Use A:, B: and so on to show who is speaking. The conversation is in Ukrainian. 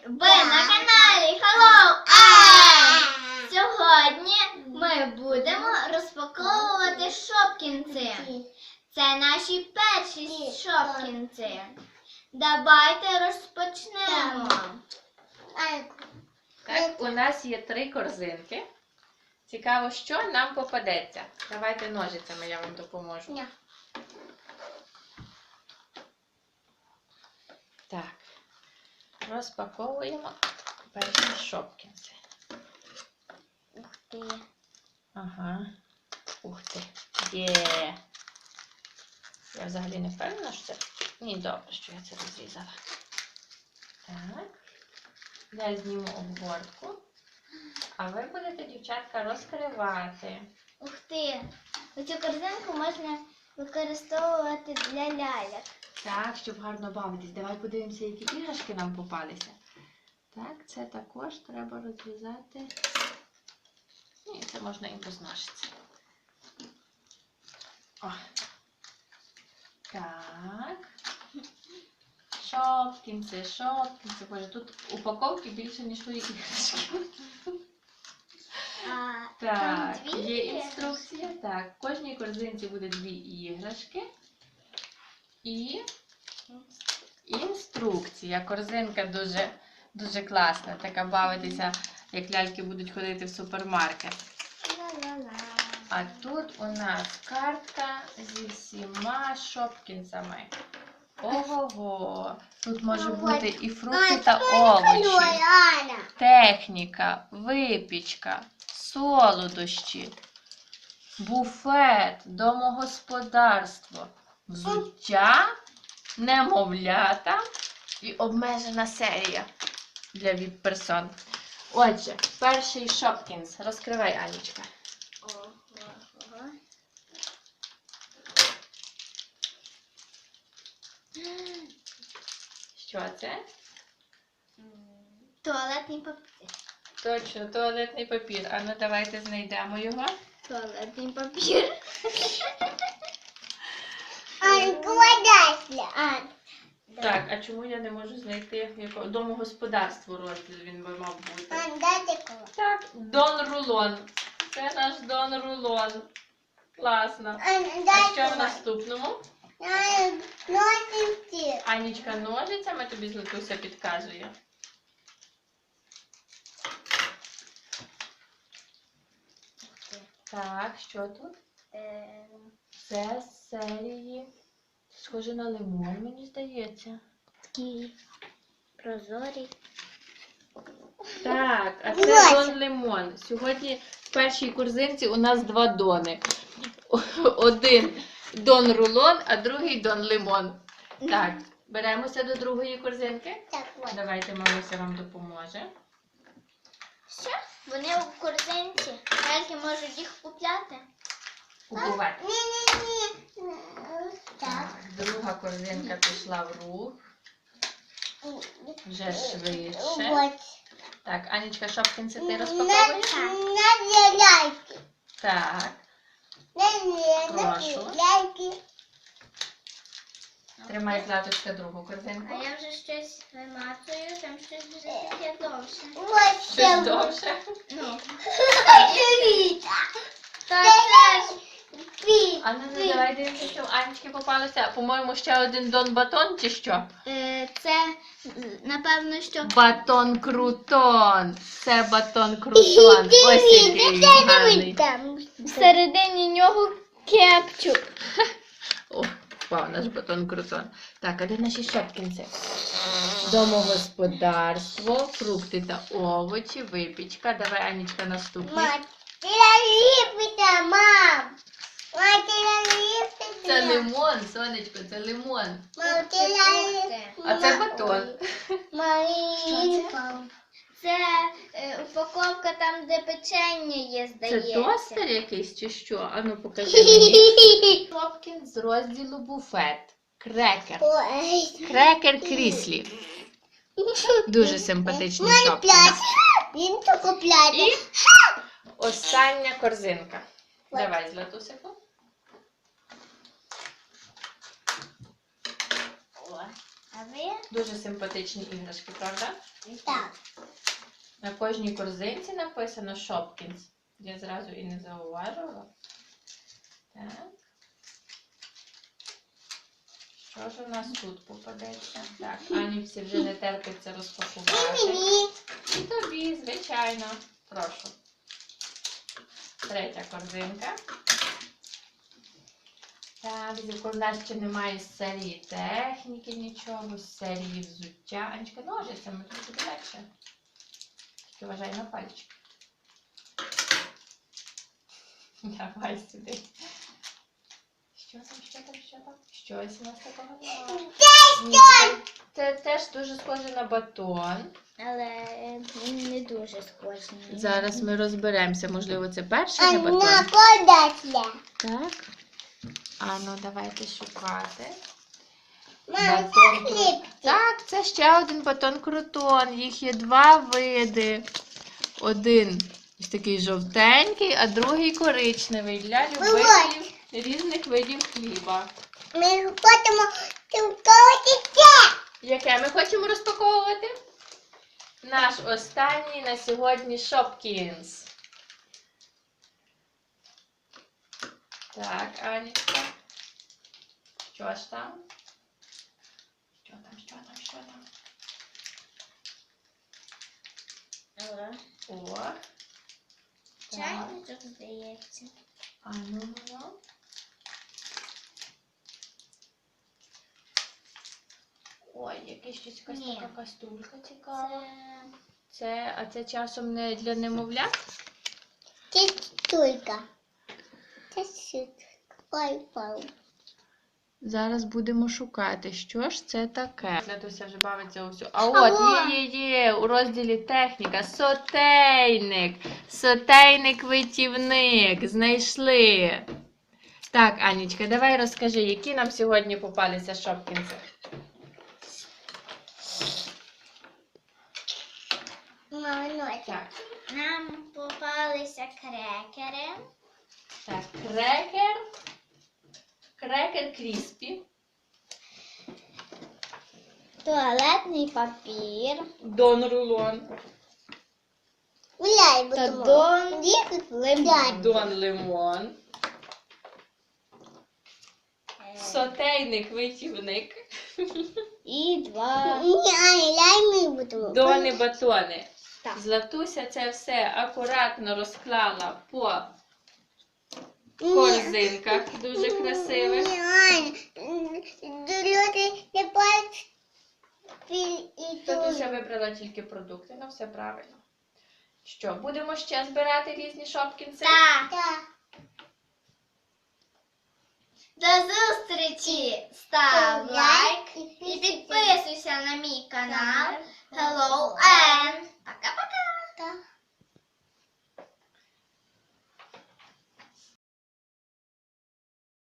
A: Ви на каналі Hello Ем! Сьогодні ми будемо розпаковувати шопкінси. Це наші перші шопкінси. Давайте розпочнемо.
B: Так, у нас є 3 корзинки. Цікаво, що нам попадеться. Давайте ножицями, я вам допоможу.
A: Ні.
B: Так, розпаковуємо перші шопкінси.
A: Ух ти.
B: Ага. Ух ти. Є. Я взагалі не впевнена, що це... Ні, добре, що я це розрізала. Так. Я зніму обгортку. А ви будете, дівчатка, розкривати.
A: Ух ти. Оцю корзинку можна використовувати для ляльок.
B: Так, щоб гарно бавитись. Давай подивимося, які іграшки нам попалися. Так, це також треба розрізати. Ні, це можна і без ножиць. О. Так. Шопкінси. Боже, тут упаковки більше, ніж твої іграшки. Так, є інструкція. Так, в кожній корзинці буде 2 іграшки. І інструкція. Корзинка дуже класна. Така бавитися, як ляльки будуть ходити в супермаркет. А тут у нас картка зі всіма шопкінсами. Ого-го! Тут може бути і фрукти та овочі, техніка, випічка, солодощі, буфет, домогосподарство, взуття, немовлята і обмежена серія для віп-персон. Отже, перший шопкінс. Розкривай, Анічка. Що це?
A: Туалетний папір.
B: Точно, туалетний папір. А ну давайте знайдемо його.
A: Туалетний папір.
B: Так, а чому я не можу знайти якого домогосподарству розділ він би мав бути? Так, Дон Рулон. Це наш Дон Рулон. Класно. А що в наступному? Анічка ножицями тобі Златуся підказує. Так, що тут? Це з серії. Схоже на лимон, мені здається.
A: Такий прозорий.
B: Так, а це Дон Лимон. Сьогодні в першій корзинці у нас 2 дони. Один Дон Рулон, а другий Дон Лимон. Так, беремося до другої корзинки.
A: Так, от.
B: Давайте Маруся вам допоможе.
A: Що? Вони у корзинці. Ляльки можуть їх купляти.
B: Купувати.
A: Так.
B: Так, друга корзинка пішла в рух. Вже швидше. Так, Анічка, шопкінси ти розпаковуєш? Так, прошу. Тримай, Златочка, другу корзинку.
A: А я вже щось вимацую, там щось дуже таке довше.
B: Щось довше.
A: Ну. Та це ж
B: А ну давай дивимося, що в Анечки попалося. По-моєму, ще один Дон Батон чи що?
A: це, напевно, що...
B: Батон Крутон. Це батон Крутон. Ось який він гарний.
A: Всередині нього кепчук.
B: О, вау, наш батон Крутон. Так, а де наші шопкінси? Домогосподарство, фрукти та овочі, випічка. Давай, Анічка, наступний. Це лимон, сонечко, це лимон. А це батон.
A: Це упаковка там, де печення є,
B: Це
A: здається.
B: тостер якийсь чи що? А ну покажи мені. Шопкінс з розділу буфет. Крекер. Крекер Кріслі. Дуже симпатичний шопкінс. І остання корзинка. Давай, Златусику. О,
A: А ви?
B: Дуже симпатичні іграшки, правда?
A: Так.
B: На кожній корзинці написано Shopkins. Я зразу і не зауважила. Так. Що ж у нас тут попадеться? Так, Анічці вже не терпиться розпакувати. І тобі, звичайно. Прошу. Третя корзинка. Так, у нас ще немає з серії техніки нічого, з серії взуття. Анечка, ножицями, тут буде легше. Тільки вважай на пальчик. Давай сюди. Що там? Щось у нас такого немає. Це теж дуже схоже на батон.
A: Але він не дуже схожий.
B: Зараз ми розберемося. Можливо, це перший не батон. Так. А ну, давайте шукати. Батон. Так, це ще один батон крутон. Їх є два види. Один ось такий жовтенький, а другий коричневий для любителів різних видів хліба.
A: Ми хочемо розпаковувати це.
B: Яке ми хочемо розпаковувати? Наш останній на сьогодні Shopkins. Так, Анечка. Що ж там? Що там? О. Так.
A: Чайничок, здається.
B: А ну. Ой, якась якась
A: Ні.
B: така каструлька цікава. А це часом не для немовлят?
A: Це стулька. Це стулька. Ой.
B: Зараз будемо шукати, що ж це таке. Лятуся вже бавиться усю. А
A: Алло!
B: от, є, у розділі техніка. Сотейник. Сотейник-витівник. Знайшли. Так, Анічка, давай розкажи, які нам сьогодні попалися шопкінці. Так.
A: Нам попалися крекери.
B: Так, крекер кріспі,
A: Туалетний папір.
B: Дон рулон,
A: Та Дон лимон.
B: Дон лимон, сотейник витівник,
A: І два.
B: дони батони.
A: Так.
B: Златуся це все акуратно розклала по корзинках дуже красивих. Златуся вибрала тільки продукти, ну все правильно. Що, будемо ще збирати різні шопкінці?
A: Так. До зустрічі!